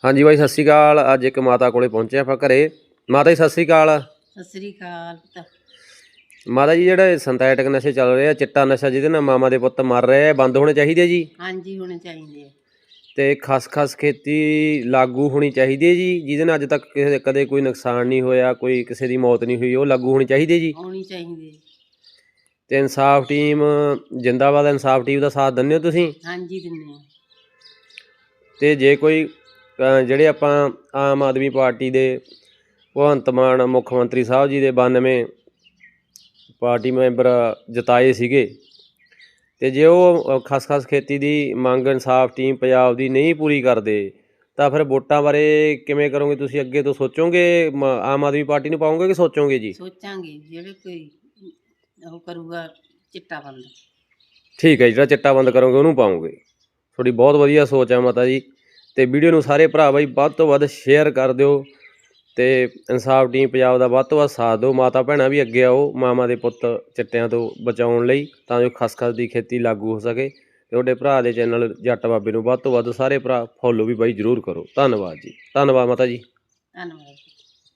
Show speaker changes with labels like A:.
A: ਹਾਂਜੀ ਬਾਈ, ਸਤਿ ਸ਼੍ਰੀ ਅਕਾਲ। ਅੱਜ ਇੱਕ ਮਾਤਾ ਕੋਲੇ ਪਹੁੰਚੇ ਆਪਾਂ ਘਰੇ। ਮਾਤਾ ਜੀ ਸਤਿ ਸ਼੍ਰੀ ਅਕਾਲ।
B: ਸਤਿ ਸ੍ਰੀ ਅਕਾਲ ਪੁੱਤ।
A: ਮਾਤਾ ਜੀ, ਜਿਹੜੇ ਸਿੰਥੈਟਿਕ ਨਸ਼ੇ ਚੱਲ ਰਹੇ ਆ, ਚਿੱਟਾ ਨਸ਼ਾ ਜਿਹਦੇ ਨਾਲ ਮਾਮਾ ਦੇ ਪੁੱਤ ਮਰ ਰਹੇ ਆ, ਬੰਦ ਹੋਣੇ ਚਾਹੀਦੇ ਜੀ।
B: ਹਾਂਜੀ, ਹੋਣੇ ਚਾਹੀਦੇ ਆ।
A: ਤੇ ਖਸਖਸ ਖੇਤੀ ਲਾਗੂ ਹੋਣੀ ਚਾਹੀਦੀ ਹੈ ਜੀ, ਜਿਹਦੇ ਨਾਲ ਅੱਜ ਤੱਕ ਕਦੇ ਕੋਈ ਨੁਕਸਾਨ ਨਹੀਂ ਹੋਇਆ, ਕੋਈ ਕਿਸੇ ਦੀ ਮੌਤ ਨਹੀਂ ਹੋਈ, ਉਹ ਲਾਗੂ ਹੋਣੀ ਚਾਹੀਦੀ ਜੀ।
B: ਹੋਣੀ ਚਾਹੀਦੀ।
A: ਤੇ ਇਨਸਾਫ ਟੀਮ ਜਿੰਦਾਬਾਦ। ਇਨਸਾਫ ਟੀਮ ਦਾ ਸਾਥ ਦਿੰਦੇ ਹੋ ਤੁਸੀਂ?
B: ਹਾਂਜੀ, ਦਿੰਦੇ ਆ।
A: ਤੇ ਜੇ ਕੋਈ ਜਿਹੜੇ ਆਪਾਂ ਆਮ ਆਦਮੀ ਪਾਰਟੀ ਦੇ ਭਗਵੰਤ ਮਾਨ ਮੁੱਖ ਮੰਤਰੀ ਸਾਹਿਬ ਜੀ ਦੇ 92 ਪਾਰਟੀ ਮੈਂਬਰ ਜਿਤਾਏ ਸੀਗੇ, ਤੇ ਜੇ ਉਹ ਖਸਖਸ ਖੇਤੀ ਦੀ ਮੰਗ ਇਨਸਾਫ ਟੀਮ ਪੰਜਾਬ ਦੀ ਨਹੀਂ ਪੂਰੀ ਕਰਦੇ, ਤਾਂ ਫਿਰ ਵੋਟਾਂ ਬਾਰੇ ਕਿਵੇਂ ਕਰੋਗੇ ਤੁਸੀਂ? ਅੱਗੇ ਤੋਂ ਸੋਚੋਗੇ ਆਮ ਆਦਮੀ ਪਾਰਟੀ ਨੂੰ ਪਾਓਗੇ ਕਿ ਸੋਚੋਗੇ ਜੀ?
B: ਸੋਚਾਂਗੇ, ਜਿਹੜੇ ਕੋਈ ਉਹ ਕਰੂਗਾ ਚਿੱਟਾ ਬੰਦ।
A: ਠੀਕ ਹੈ, ਜਿਹੜਾ ਚਿੱਟਾ ਬੰਦ ਕਰੋਗੇ ਉਹਨੂੰ ਪਾਓਗੇ। ਤੁਹਾਡੀ ਬਹੁਤ ਵਧੀਆ ਸੋਚ ਹੈ ਮਾਤਾ ਜੀ। ਤੇ ਵੀਡੀਓ ਨੂੰ ਸਾਰੇ ਭਰਾ ਬਾਈ ਵੱਧ ਤੋਂ ਵੱਧ ਸ਼ੇਅਰ ਕਰ ਦਿਓ, ਤੇ ਇਨਸਾਫ ਟੀਮ ਪੰਜਾਬ ਦਾ ਵੱਧ ਤੋਂ ਵੱਧ ਸਾਥ ਦਿਓ। ਮਾਤਾ ਭੈਣਾਂ ਵੀ ਅੱਗੇ ਆਓ ਮਾਮਾ ਦੇ ਪੁੱਤ ਚਿੱਟਿਆਂ ਤੋਂ ਬਚਾਉਣ ਲਈ, ਤਾਂ ਜੋ ਖਸਖਸ ਦੀ ਖੇਤੀ ਲਾਗੂ ਹੋ ਸਕੇ। ਤੁਹਾਡੇ ਭਰਾ ਦੇ ਚੈਨਲ ਜੱਟ ਬਾਬੇ ਨੂੰ ਵੱਧ ਤੋਂ ਵੱਧ ਸਾਰੇ ਭਰਾ ਫੋਲੋ ਵੀ ਬਾਈ ਜ਼ਰੂਰ ਕਰੋ। ਧੰਨਵਾਦ ਜੀ, ਧੰਨਵਾਦ ਮਾਤਾ ਜੀ।
B: ਧੰਨਵਾਦ।